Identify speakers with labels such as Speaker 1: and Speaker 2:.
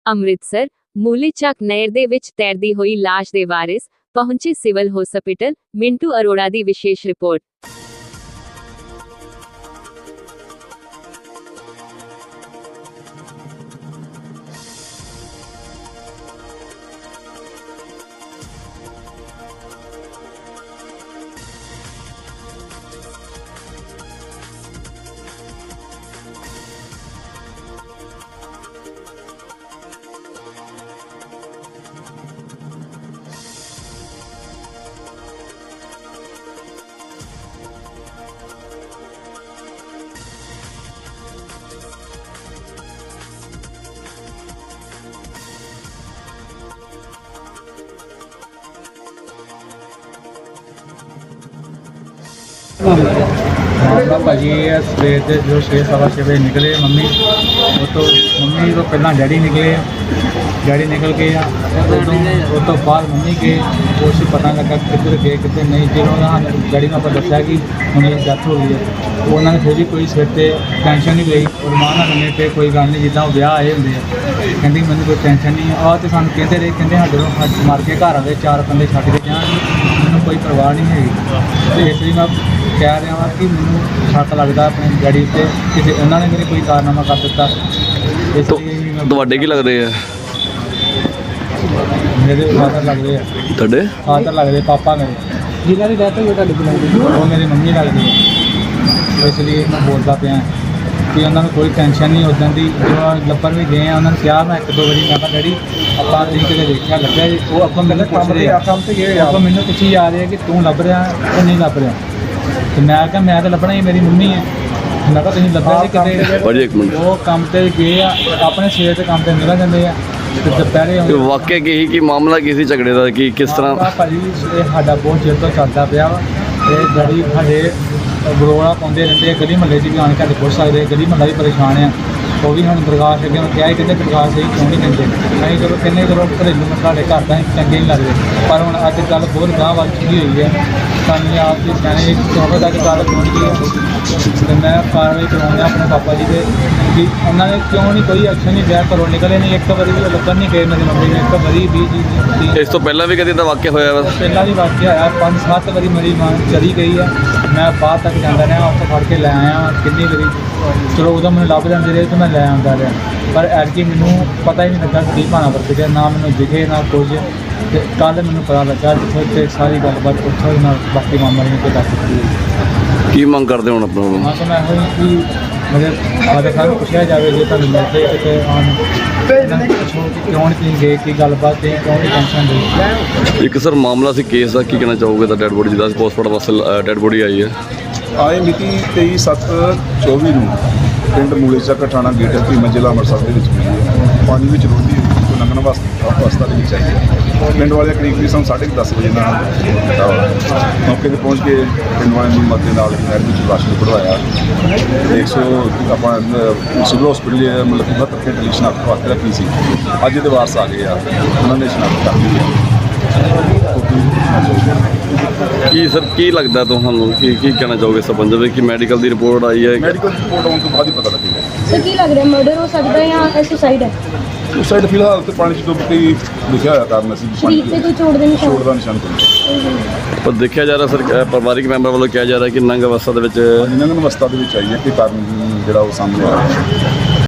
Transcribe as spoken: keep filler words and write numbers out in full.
Speaker 1: ਅੰਮ੍ਰਿਤਸਰ ਮੂਲੀ ਚੱਕ ਨਹਿਰ ਦੇ ਵਿੱਚ ਤੈਰਦੀ ਹੋਈ ਲਾਸ਼ ਦੇ ਵਾਰਿਸ ਪਹੁੰਚੇ ਸਿਵਲ ਹਸਪਤਾਲ। ਮਿੰਟੂ ਅਰੋੜਾ ਦੀ ਵਿਸ਼ੇਸ਼ ਰਿਪੋਰਟ।
Speaker 2: मामला भाजी है सवेर के जो छे सवा छे बजे निकले मम्मी वो तो मम्मी तो पहला डैडी निकले डैडी निकल के उदों उस तो बाद मम्मी के कुछ पता लगा किधर गए किधर नहीं। जो डैडी ने आप दसिया कि मम्मी की डेथ हो गई है तो उन्होंने फिर भी कोई सिर से टेंशन नहीं ली और मां ना कहने पे कोई गल नहीं जिदा ब्याह आए होंगे कहती मैंने कोई टेंशन नहीं आ तो सू कहते रहे कहते साढ़े मार के घर आए चार बंदे छड्ड के जान मैंने कोई परवाह नहीं है। तो इसलिए मैं कह रहा वा कि मैं शक लगता अपने डैडी से कि उन्होंने मेरे कोई कारनामा कर दिता। इसलिए
Speaker 3: ਤੁਹਾਡੇ ਕੀ ਲੱਗਦੇ ਆ?
Speaker 2: मेरे फादर लगते हैं
Speaker 3: ਤੁਹਾਡੇ
Speaker 2: फादर लगते पापा मेरे जिन्हों की डेथ हुई लगती वो मेरी मम्मी लगती है। इसलिए मैं बोलता पाया कि उन्होंने कोई टेंशन नहीं उदन की जो लभन भी गए उन्होंने कहा मैं एक दो बारी मैं कहा डैडी ਆਪਾਂ ਤੁਸੀਂ ਕਿਤੇ ਦੇਖਿਆ ਲੱਭਿਆ वो ਆਪਾਂ ਮੈਨੂੰ ਪੁੱਛ ਰਹੇ ਆਪਾਂ ਮੈਨੂੰ ਪੁੱਛੀ ਜਾ ਰਹੇ ਕਿ ਤੂੰ ਲੱਭ ਰਿਹਾ ਕਿ ਨਹੀਂ ਲੱਭ ਰਿਹਾ ਤੇ ਮੈਂ ਕਿਹਾ ਮੈਂ ਤਾਂ ਲੱਭਣਾ ਹੀ ਮੇਰੀ ਮੰਮੀ ਹੈ। ਮੈਂ ਕਿਹਾ ਤੁਸੀਂ ਲੱਭਿਆ ਸੀ ਕਿਤੇ
Speaker 3: ਭਾਜੀ ਇੱਕ ਮਿੰਟ
Speaker 2: ਉਹ ਕੰਮ ਤੇ ਗਏ ਆ ਆਪਣੇ ਸਵੇਰ ਦੇ ਕੰਮ ਤੇ ਨਿਕਲ ਜਾਂਦੇ ਆ ਤੇ ਦੁਪਹਿਰੇ
Speaker 3: ਇਹ ਵਾਕਿਆ ਕੀ ਸੀ ਕਿ ਮਾਮਲਾ ਕੀ ਸੀ ਝਗੜੇ ਦਾ ਕਿ ਕਿਸ ਤਰ੍ਹਾਂ?
Speaker 2: ਆਹ ਭਾਜੀ ਇਹ ਸਾਡਾ ਬਹੁਤ ਚਿਰ ਤੋਂ ਚੱਲਦਾ ਪਿਆ ਵਾ ਤੇ ਡੈਡੀ ਸਾਡੇ ਗਰੋਲਾ ਪਾਉਂਦੇ ਰਹਿੰਦੇ ਆ ਗਲੀ ਮਹੱਲੇ 'ਚ ਵੀ ਆਣ ਕੇ ਪੁੱਛ ਸਕਦੇ ਗਲੀ ਮਹੱਲਾ ਵੀ ਪਰੇਸ਼ਾਨ ਆ। ਉਹ ਵੀ ਹੁਣ ਦਰਗਾਹ ਅੱਗੇ ਕਿਹਾ ਸੀ ਕਹਿੰਦੇ ਦਰਗਾਹ ਸਹੀ ਕਿਉਂ ਨਹੀਂ ਦਿੰਦੇ ਨਹੀਂ ਚਲੋ ਕਹਿੰਦੇ ਚਲੋ ਘਰੇਲੂ ਸਾਡੇ ਘਰ ਦਾ ਚੰਗੇ ਨਹੀਂ ਲੱਗਦੇ ਪਰ ਹੁਣ ਅੱਜ ਗੱਲ ਬਹੁਤ ਗਾਂਹ ਵੱਲ ਚੁੱਕੀ ਹੋਈ ਹੈ ਸਾਨੂੰ ਆਪ ਦੀ ਸਿਆਣੇ ਚੌਵੇਂ ਤੱਕ ਗੱਲ ਪਹੁੰਚੀ ਹੈ ਤੇ ਮੈਂ ਕਾਰਵਾਈ ਕਰਾਉਂਦਾ ਆਪਣੇ ਪਾਪਾ ਜੀ ਦੇ ਕਿ ਉਹਨਾਂ ਨੇ ਕਿਉਂ ਨਹੀਂ ਕੋਈ ਐਕਸ਼ਨ ਨਹੀਂ ਲਿਆ ਘਰੋਂ ਨਿਕਲੇ ਨਹੀਂ ਇੱਕ ਵਾਰੀ ਵੀ ਲੱਭਣ ਨਹੀਂ ਗਏ ਮੇਰੀ ਮੰਮੀ ਨੇ ਇੱਕ ਵਾਰੀ ਵੀ ਜੀ
Speaker 3: ਇਸ ਤੋਂ ਪਹਿਲਾਂ ਵੀ ਕਦੇ ਤਾਂ ਵਾਕਿਆ ਹੋਇਆ ਵਾ?
Speaker 2: ਪਹਿਲਾਂ ਵੀ ਵਾਕਿਆ ਹੋਇਆ ਪੰਜ ਸੱਤ ਵਾਰੀ ਮੇਰੀ ਮਾਂ ਚਲੀ ਗਈ ਹੈ ਮੈਂ ਬਾਹਰ ਤੱਕ ਜਾਂਦਾ ਰਿਹਾ ਉੱਥੇ ਫੜ ਕੇ ਲੈ ਆਇਆ ਕਿੰਨੀ ਵਾਰੀ ਚਲੋ ਉਦੋਂ ਮੈਨੂੰ ਲੱਭ ਜਾਂਦੇ ਰਹੇ ਤੇ ਮੈਂ ਲੈ ਆਉਂਦਾ ਰਿਹਾ ਪਰ ਐਤਕੀ ਮੈਨੂੰ ਪਤਾ ਹੀ ਨਹੀਂ ਲੱਗਾ ਕੀ ਭਾਣਾ ਵਰਤ ਗਿਆ ਨਾ ਮੈਨੂੰ ਦਿਖੇ ਨਾ ਕੁਝ ਤੇ ਕੱਲ੍ਹ ਮੈਨੂੰ ਪਤਾ ਲੱਗਾ ਜਿੱਥੇ ਤੇ ਸਾਰੀ ਗੱਲਬਾਤ ਉੱਥੋਂ ਨਾਲ ਬਾਕੀ ਮਾਮਾ ਜੀ ਨੇ ਦੱਸ ਦਿੱਤੀ।
Speaker 3: ਕੀ ਮੰਗ ਕਰਦੇ ਹੁਣ ਆਪਣਾ?
Speaker 2: ਹਾਂ ਤਾਂ ਮੈਂ ਇਹੋ ਕਿ ਮੇਰੇ ਫਾਦਰ ਸਾਹਿਬ ਨੂੰ ਪੁੱਛਿਆ ਜਾਵੇ ਜੇ ਤੁਹਾਨੂੰ ਮਿਲਦੇ ਕਿਤੇ ਆਉਣ ਕਿਉਂ ਨਹੀਂ ਤੁਸੀਂ ਗਏ ਕੀ ਗੱਲਬਾਤ ਤੇ ਕਿਉਂ ਨਹੀਂ ਟੈਨਸ਼ਨ ਦੇ।
Speaker 3: ਇੱਕ ਸਰ ਮਾਮਲਾ ਸੀ ਕੇਸ ਦਾ ਕੀ ਕਹਿਣਾ ਚਾਹੋਗੇ ਤਾਂ ਡੈਡ ਬੋਡੀ ਜਿਹਦਾ ਪੋਸਟਮਾਰਟਮ ਵਾਸਤੇ ਡੈਡ ਬੋਡੀ ਆਈ ਹੈ
Speaker 4: ਆਏ ਮਿਤੀ ਤੇਈ ਸੱਤ ਚੌਵੀ ਨੂੰ ਪਿੰਡ ਮੂਲੇ ਚੱਕ ਥਾਣਾ ਗੇਟ ਭੀਮਾ ਜ਼ਿਲ੍ਹਾ ਅੰਮ੍ਰਿਤਸਰ ਦੇ ਵਿੱਚ ਮਿਲੀ ਹੈ। ਪਾਣੀ ਵਿੱਚ ਰੋਂਦੀ ਹੋਈ ਲੰਘਣ ਵਾਸਤੇ ਅਵਸਥਾ ਦੇ ਵਿੱਚ ਆਈ ਹੈ। ਪਿੰਡ ਵਾਲੇ ਕਰੀਬ ਵੀ ਸਾਨੂੰ ਸਾਢੇ ਦਸ ਵਜੇ ਨਾਲ ਪਤਾ ਹੋਇਆ ਮੌਕੇ 'ਤੇ ਪਹੁੰਚ ਕੇ ਪਿੰਡ ਵਾਲਿਆਂ ਦੀ ਮਦਦ ਨਾਲ ਨਹਿਰ ਵਿੱਚ ਲਾਸ਼ ਨੂੰ ਕਢਵਾਇਆ ਇੱਕ ਸੌ ਆਪਾਂ ਸਿਵਲ ਹਸਪੀਟਲ ਮਤਲਬ ਕਿ ਬਹੱਤਰ ਘੰਟੇ ਲਈ ਸ਼ਨਾਖਤ ਵਾਸਤੇ ਰੱਖੀ ਸੀ। ਅੱਜ ਦੇ ਵਾਰਸ ਆ ਗਏ ਆ ਉਹਨਾਂ ਨੇ ਸ਼ਨਾਖਤ ਕਰ ਲਈ ਹੈ।
Speaker 3: ਕੀ ਸਰ ਕੀ ਲੱਗਦਾ ਤੁਹਾਨੂੰ ਕੀ ਕੀ ਕਹਿਣਾ ਚਾਹੋਗੇ ਸੰਬੰਧ ਵਿੱਚ ਕਿ ਮੈਡੀਕਲ ਦੀ ਰਿਪੋਰਟ ਆਈ ਹੈ?
Speaker 4: ਮੈਡੀਕਲ ਰਿਪੋਰਟ ਆਉਣ ਤੋਂ ਬਾਅਦ ਹੀ ਪਤਾ ਲੱਗੇਗਾ।
Speaker 5: ਸਰ ਕੀ ਲੱਗ ਰਿਹਾ ਮਰਡਰ ਹੋ ਸਕਦਾ ਹੈ ਜਾਂ ਸੁਸਾਈਡ ਹੈ?
Speaker 4: ਸੁਸਾਈਡ ਫਿਲਹਾਲ ਤੇ ਪਾਣੀ 'ਚ ਡੁੱਬ ਕੇ ਹੀ ਲਿਖਿਆ ਹੋਇਆ ਕਾਰਨ ਅਸੀਂ
Speaker 5: ਸਰੀਰ ਤੇ ਕੋਈ ਚੋਟ ਦੇ ਨਿਸ਼ਾਨ?
Speaker 4: ਚੋਟ ਦਾ ਨਿਸ਼ਾਨ ਕੋਈ
Speaker 3: ਪਰ ਦੇਖਿਆ ਜਾ ਰਿਹਾ ਸਰ ਅ, ਪਰਿਵਾਰਿਕ ਮੈਂਬਰ ਵੱਲੋਂ ਕਿਹਾ ਜਾ ਰਿਹਾ ਕਿ ਨੰਗ ਅਵਸਥਾ ਦੇ ਵਿੱਚ
Speaker 4: ਨੰਗਨ ਅਵਸਥਾ ਦੇ ਵਿੱਚ ਆਈ ਹੈ ਕਿ ਕਾਰਨ ਜਿਹੜਾ ਉਹ ਸਾਹਮਣੇ ਆ ਰਿਹਾ।